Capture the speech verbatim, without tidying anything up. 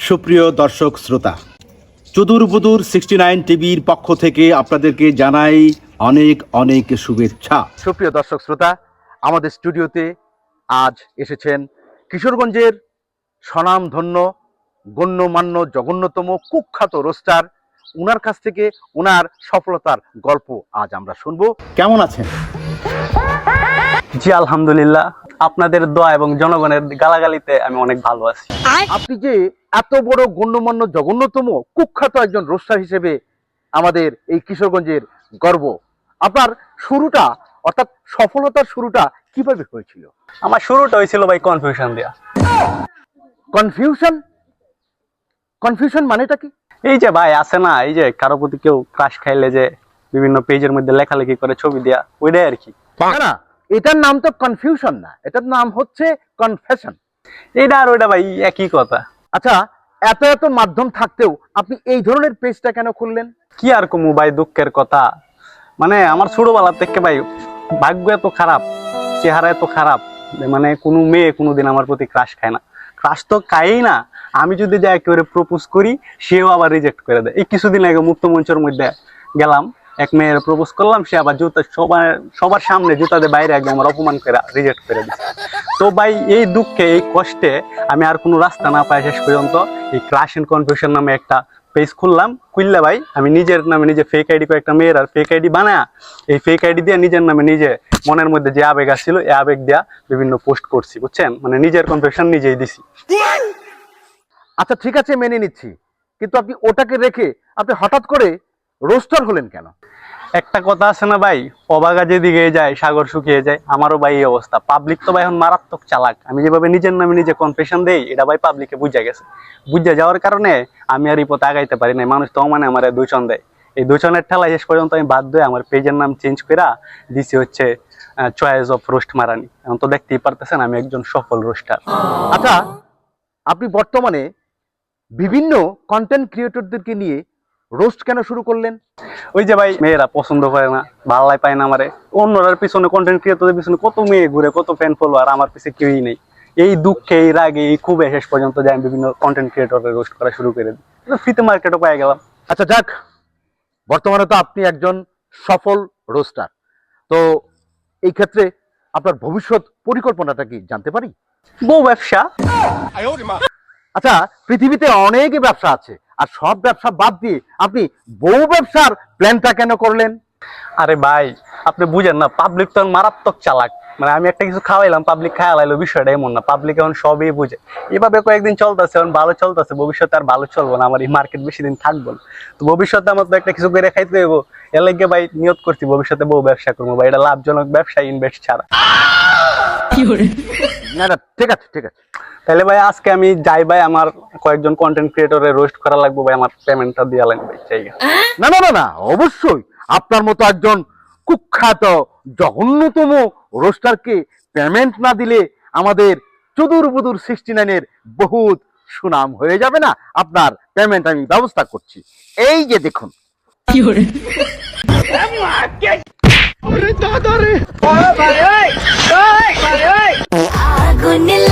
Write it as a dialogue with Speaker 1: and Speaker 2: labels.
Speaker 1: সুপ্রিয় দর্শক শ্রোতা, চুদুর বুদুর সিক্সটি নাইন টিভির পক্ষ থেকে আপনাদেরকে জানাই অনেক অনেক শুভেচ্ছা। সুপ্রিয় দর্শক শ্রোতা, আমাদের স্টুডিওতে আজ এসেছেন কিশোরগঞ্জের স্বনামধন্য গণ্যমান্য জঘন্যতম কুখ্যাত রোস্টার। উনার কাছ থেকে উনার সফলতার গল্প আজ আমরা শুনবো। কেমন আছেন?
Speaker 2: জি আলহামদুলিল্লাহ, আপনাদের দোয়া এবং জনগণের গালাগালিতে আমি অনেক ভালো আছি।
Speaker 1: আপনি যে এত বড় গণ্যমান্য জঘন্যতম কুখ্যাত একজন রোস্টার হিসেবে আমাদের এই কিশোরগঞ্জের গর্ব, আপনার শুরুটা অর্থাৎ সফলতার শুরুটা কিভাবে হয়েছিল?
Speaker 2: আমার শুরুটা হয়েছিল ভাই কনফিউশন দিয়া।
Speaker 1: কনফিউশন? কনফিউশন মানেটা কি?
Speaker 2: এই যে ভাই আছে না, এই যে কারো প্রতি কেউ ক্রাশ খাইলে যে বিভিন্ন পেজের মধ্যে লেখালেখি করে ছবি দেয়া, ওইটাই আর কি।
Speaker 1: না না, এটার নাম তো কনফিউশন না, এটার নাম হচ্ছে কনফেশন।
Speaker 2: এইটা আর ওইটা ভাই একই কথা।
Speaker 1: আচ্ছা, এত এত মাধ্যম থাকতেও আপনি এই ধরনের পেজটা কেন খুললেন?
Speaker 2: কি আর কমু ভাই, দুঃখের কথা। মানে আমার ছোটবেলা থেকে ভাই ভাগ্য এত খারাপ, চেহারা এত খারাপ, মানে কোনো মেয়ে কোনোদিন আমার প্রতি ক্রাশ খায় না। ক্রাশ তো খায়ই না, আমি যদি যাই একেবারে প্রপোজ করি সেও আবার রিজেক্ট করে দেয়। এই কিছুদিন আগে মুক্ত মঞ্চের মধ্যে গেলাম, এক মেয়ের প্রপোজ করলাম, সে আবার জুতা সবার সবার সামনে জুতা দিয়ে বাইরে একদম আমার অপমান করে রিজেক্ট করে দিচ্ছে। তো ভাই এই দুঃখে এই কষ্টে আমি আর কোনো রাস্তা না পাই শেষ পর্যন্ত এই ক্রাশ এন্ড কনফিউশন নামে একটা পেজ খুললাম। খুললে ভাই আমি নিজের নামে নিজে ফেক আইডি কয়েকটা মেয়ের আর ফেক আইডি বানায় এই ফেক আইডি দিয়ে নিজের নামে নিজে মনের মধ্যে যে আবেগ আসছিল এই আবেগ দিয়া বিভিন্ন পোস্ট করছি, বুঝছেন? মানে নিজের কনফিউশন নিজেই দিছি।
Speaker 1: আচ্ছা ঠিক আছে, মেনে নিচ্ছি, কিন্তু আপনি ওটাকে রেখে আপনি হঠাৎ করে রোস্টার হলেন কেন?
Speaker 2: একটা কথা আছে না ভাই, অবাগা যেদিকে যায় সাগর শুকিয়ে যায়। আমারও ভাই এই অবস্থা। পাবলিক তো ভাই এখন মারাত্মক চালাক। আমি যেভাবে নিজের নামে নিজে কনফেশন দেই, এটা ভাই পাবলিকে বুঝা গেছে। বুঝা যাওয়ার কারণে আমি আর এই পথে আগাইতে পারি না। মানুষ তো মানে আমার দূষণ দেয়। এই দূষণের ঠেলায় শেষ পর্যন্ত আমি বাধ্য হয়ে আমার পেজের নাম চেঞ্জ করে দিছি হচ্ছে চয়েস অফ রোস্ট মারানি। এখন তো দেখতেই পারতেছেন আমি একজন সফল রোস্টার।
Speaker 1: আচ্ছা, আপনি বর্তমানে বিভিন্ন কন্টেন্ট ক্রিয়েটরদেরকে নিয়ে রোস্ট কেন শুরু করলেন?
Speaker 2: ওই যে ভাই মেয়েরা পছন্দ করে না, ভাল্লাই পায় না আমারে। অন্যরার পিছনে কন্টেন্ট ক্রিয়েটরদের পিছনে কত মেয়ে ঘুরে, কত ফ্যান ফলোয়ার, আমার পিছনে কেউই নেই। এই দুঃখে, এই রাগে, এই খুবই শেষ পর্যন্ত যাই আমি বিভিন্ন কন্টেন্ট ক্রিয়েটরের রোস্ট করা শুরু করে দিই। ফ্রিতে মার্কেটও পাই গেলাম।
Speaker 1: আচ্ছা যাক, বর্তমানে তো আপনি একজন সফল রোস্টার, তো এই ক্ষেত্রে আপনার ভবিষ্যৎ পরিকল্পনাটা কি জানতে পারি?
Speaker 2: বউ ব্যবসা।
Speaker 1: আচ্ছা, পৃথিবীতে অনেক ব্যবসা আছে, আর সব ব্যবসা বাদ দিয়ে আপনি বউ ব্যবসার প্ল্যানটা কেন করলেন?
Speaker 2: আরে ভাই আপনি বুঝেন না, পাবলিক তো মারাত্মক চালাক। মানে আমি একটা কিছু খাওয়াইলাম, পাবলিক খাওয়াইলো, বিষয়টা এমন না। পাবলিক এখন সবই বুঝে। এভাবে কয়েকদিন চলতেছে, এখন ভালো চলতেছে, ভবিষ্যতে আর ভালো চলবো না। আমার এই মার্কেট বেশি দিন থাকবো না। তো ভবিষ্যতে আমার তো একটা কিছু করে খাইতে দেবো। এর লাগে ভাই নিয়ত করছি ভবিষ্যতে বউ ব্যবসা করবো ভাই। এটা লাভজনক ব্যবসা, ইনভেস্ট ছাড়া।
Speaker 1: না না, ঠিক আছে ঠিক আছে।
Speaker 2: তাহলে ভাই আজকে আমি যাই ভাই, আমার কয়েকজন কন্টেন্ট ক্রিয়েটরের রোস্ট করা লাগবে ভাই, আমার পেমেন্টটা দিয়ে লাগবে।
Speaker 1: না না না না, অবশ্যই আপনার মতো একজন কুখ্যাত জঘন্যতম রোস্টারকে পেমেন্ট না দিলে আমাদের চুদুর বুদুর সিক্সটি নাইনের বহুত সুনাম হয়ে যাবে না। আপনার পেমেন্ট আমি ব্যবস্থা করছি। এই যে দেখুন,
Speaker 3: আগুন